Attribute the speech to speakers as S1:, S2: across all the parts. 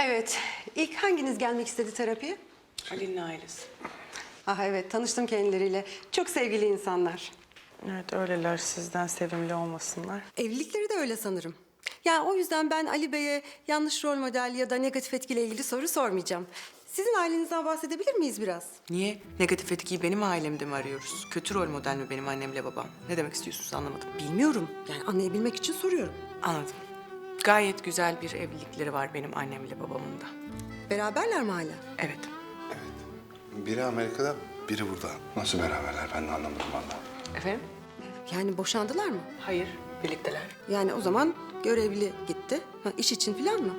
S1: Evet, ilk hanginiz gelmek istedi terapiye?
S2: Ali'nin ailesi.
S1: Ah evet, tanıştım kendileriyle. Çok sevgili insanlar.
S2: Evet öyleler, sizden sevimli olmasınlar.
S1: Evlilikleri de öyle sanırım. Ya o yüzden ben Ali Bey'e yanlış rol model ya da negatif etkiyle ilgili soru sormayacağım. Sizin ailenizden bahsedebilir miyiz biraz?
S2: Niye? Negatif etkiyi benim ailemde mi arıyoruz? Kötü rol model mi benim annemle babam? Ne demek istiyorsunuz anlamadım.
S1: Bilmiyorum. Yani anlayabilmek için soruyorum.
S2: Anladım. Gayet güzel bir evlilikleri var benim annemle babamın da.
S1: Beraberler mi hala?
S2: Evet.
S3: Biri Amerika'da, biri burada. Nasıl beraberler ben de anlamadım vallahi.
S2: Efendim?
S1: Yani boşandılar mı?
S2: Hayır, birlikteler.
S1: Yani o zaman görevli gitti. Ha, iş için falan mı?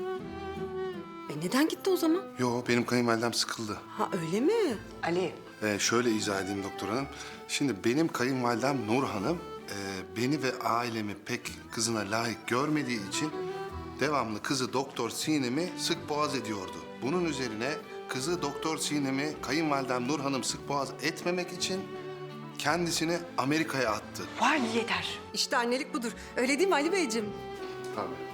S1: Neden gitti o zaman?
S3: Yo benim kayınvalidem sıkıldı.
S1: Ha öyle mi?
S2: Ali.
S3: Şöyle izah edeyim doktor hanım. Şimdi benim kayınvalidem Nur Hanım beni ve ailemi pek kızına layık görmediği için devamlı kızı Doktor Sinem'i sık boğaz ediyordu. Bunun üzerine kızı Doktor Sinem'i kayınvalidem Nur Hanım sık boğaz etmemek için kendisini Amerika'ya attı.
S2: Vay yeter.
S1: İşte annelik budur. Öyle değil mi Ali Beyciğim?
S3: Tabii.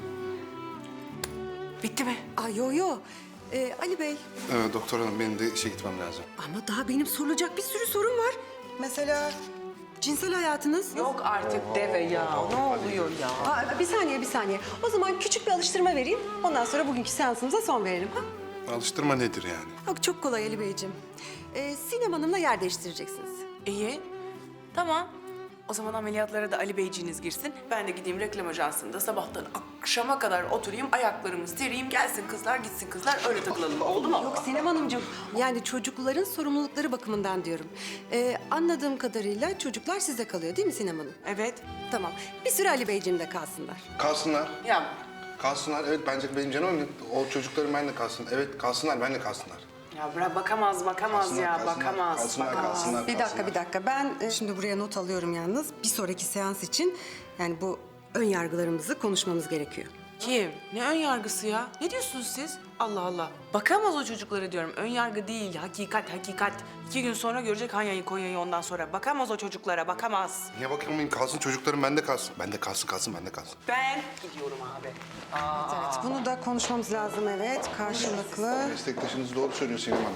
S2: Bitti mi?
S1: Aa yo yo. Ali Bey.
S3: Doktor hanım benim de işe gitmem lazım.
S1: Ama daha benim sorulacak bir sürü sorum var. Mesela cinsel hayatınız?
S2: Yok artık deve ya. Ne oluyor ya?
S1: Aa, bir saniye. O zaman küçük bir alıştırma vereyim. Ondan sonra bugünkü seansımıza son verelim. Ha?
S3: Alıştırma nedir yani?
S1: Yok, çok kolay Ali Beyciğim. Sinem Hanım'la yer değiştireceksiniz.
S2: İyi. Tamam. O zaman ameliyatlara da Ali Beyciğiniz girsin. Ben de gideyim reklam ajansında sabahtan akşama kadar oturayım, ayaklarımı sereyim, gelsin kızlar, gitsin kızlar, öyle takılalım. Oldu mu?
S1: Yok Sinem Hanımcığım. Yani çocukların sorumlulukları bakımından diyorum. Anladığım kadarıyla çocuklar size kalıyor değil mi Sinem Hanım?
S2: Evet.
S1: Tamam. Bir süre Ali Beyciğimle kalsınlar.
S3: Kalsınlar.
S2: Ya,
S3: Kalsınlar. Evet bence benim canım o çocuklarım benimle kalsın. Evet kalsınlar benimle kalsınlar.
S2: ya bırak bakamaz ya, bakamaz.
S3: Kalsınlar.
S1: Bir dakika. Ben şimdi buraya not alıyorum yalnız. Bir sonraki seans için yani bu ön yargılarımızı konuşmamız gerekiyor.
S2: Kim? Ne ön yargısı ya? Ne diyorsunuz siz? Allah Allah. Bakamaz o çocuklara diyorum. Ön yargı değil, hakikat. 2 gün sonra görecek Hanya'yı, Konya'yı ondan sonra. Bakamaz o çocuklara, bakamaz.
S3: Niye bakamayayım? Kalsın çocuklarım bende kalsın. Bende kalsın, bende kalsın.
S2: Ben gidiyorum abi.
S1: Evet, bunu da konuşmamız lazım evet. Karşılıklı.
S3: Meslektaşınız doğru söylüyor Sinem Hanım.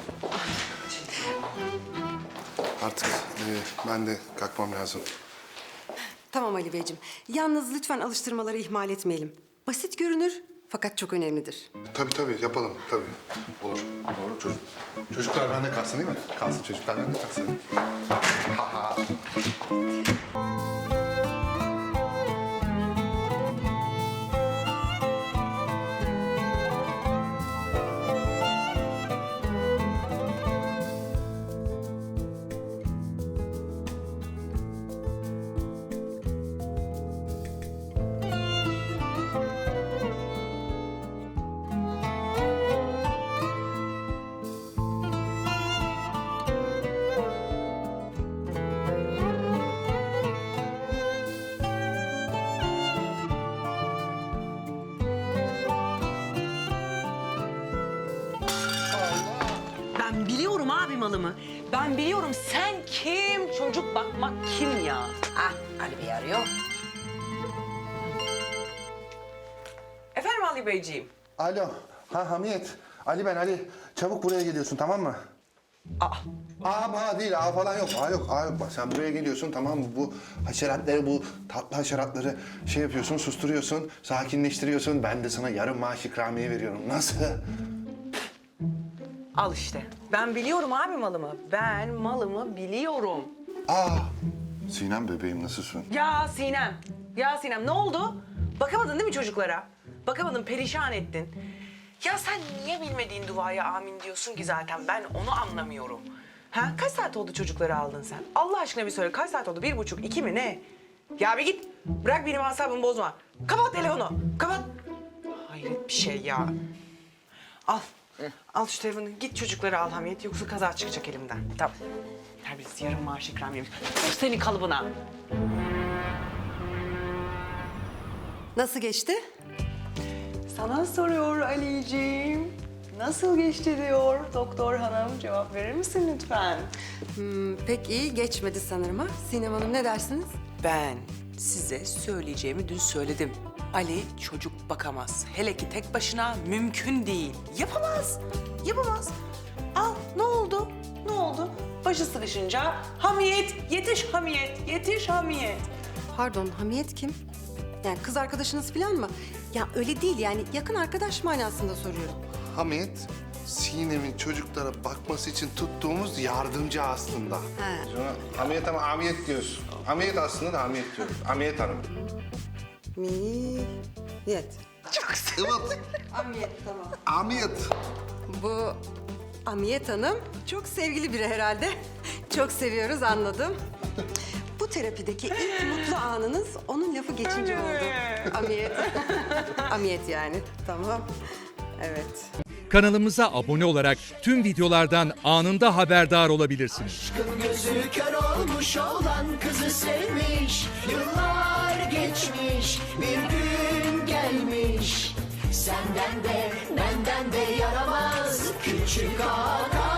S3: Artık ben de kalkmam lazım.
S1: Tamam Ali Beyciğim. Yalnız lütfen alıştırmaları ihmal etmeyelim. Basit görünür fakat çok önemlidir.
S3: Tabii yapalım tabii. Olur. Doğru çocuklar bende kalsın değil mi? Kalsın çocuklar bende kalsın.
S2: Ben biliyorum abi malımı. Ben biliyorum sen kim, çocuk bakmak kim ya?
S4: Ah, Ali Bey arıyor.
S2: Efendim Ali Beyciğim?
S3: Alo. Hamiyet. Ali ben Ali. Çabuk buraya geliyorsun tamam mı? Aa değil, falan yok. Yok. Bak sen buraya geliyorsun tamam mı? Bu haşeratları, bu tatlı haşeratları şey yapıyorsun, susturuyorsun, sakinleştiriyorsun. Ben de sana yarım maaş ikramiye veriyorum. Nasıl?
S2: Al işte. Ben biliyorum abi malımı. Ben malımı biliyorum.
S3: Sinem bebeğim nasılsın?
S2: Ya Sinem ne oldu? Bakamadın değil mi çocuklara? Bakamadın, perişan ettin. Ya sen niye bilmediğin duaya amin diyorsun ki zaten? Ben onu anlamıyorum. Ha? Kaç saat oldu çocukları aldın sen? Allah aşkına bir söyle. Kaç saat oldu? 1,5, 2 mi ne? Ya bir git. Bırak benim asabımı bozma. Kapat telefonu. Kapat. Hayret bir şey ya. Al. Al şu telefonu. Git çocukları al Hamiyet. Yoksa kaza çıkacak elimden. Tamam. Terbiyesiz yarım maaş ikramiye. Senin kalıbına.
S1: Nasıl geçti?
S2: Sana soruyor Ali'ciğim. Nasıl geçti diyor doktor hanım. Cevap verir misin lütfen?
S1: Pek iyi geçmedi sanırım ha. Sinem Hanım ne dersiniz?
S2: Ben size söyleyeceğimi dün söyledim. Ali çocuk bakamaz. Hele ki tek başına mümkün değil. Yapamaz. Yapamaz. Al ne oldu? Ne oldu? Başı sıkışınca Hamiyet, yetiş Hamiyet, yetiş Hamiyet.
S1: Pardon, Hamiyet kim? Yani kız arkadaşınız falan mı? Ya öyle değil yani yakın arkadaş manasında soruyorum.
S3: Hamiyet, Sinem'in çocuklara bakması için tuttuğumuz yardımcı aslında. Sonra Hamiyet ama Hamiyet diyoruz. Hamiyet aslında da Hamiyet diyoruz. Hamiyet Hanım.
S1: Hamiyet.
S3: Evet,
S1: Hamiyet tamam.
S3: Hamiyet.
S1: Bu Hamiyet Hanım çok sevgili biri herhalde. Çok seviyoruz anladım. Bu terapideki ilk mutlu anınız onun lafı geçince oldu. Hamiyet. Hamiyet yani. Tamam. Evet.
S5: Kanalımıza abone olarak tüm videolardan anında haberdar olabilirsiniz.
S6: Gözü kör olmuş olan kızı sevmiş. Yıllar geçmiş, bir gün gelmiş. Senden de benden de yaramaz küçük ağa.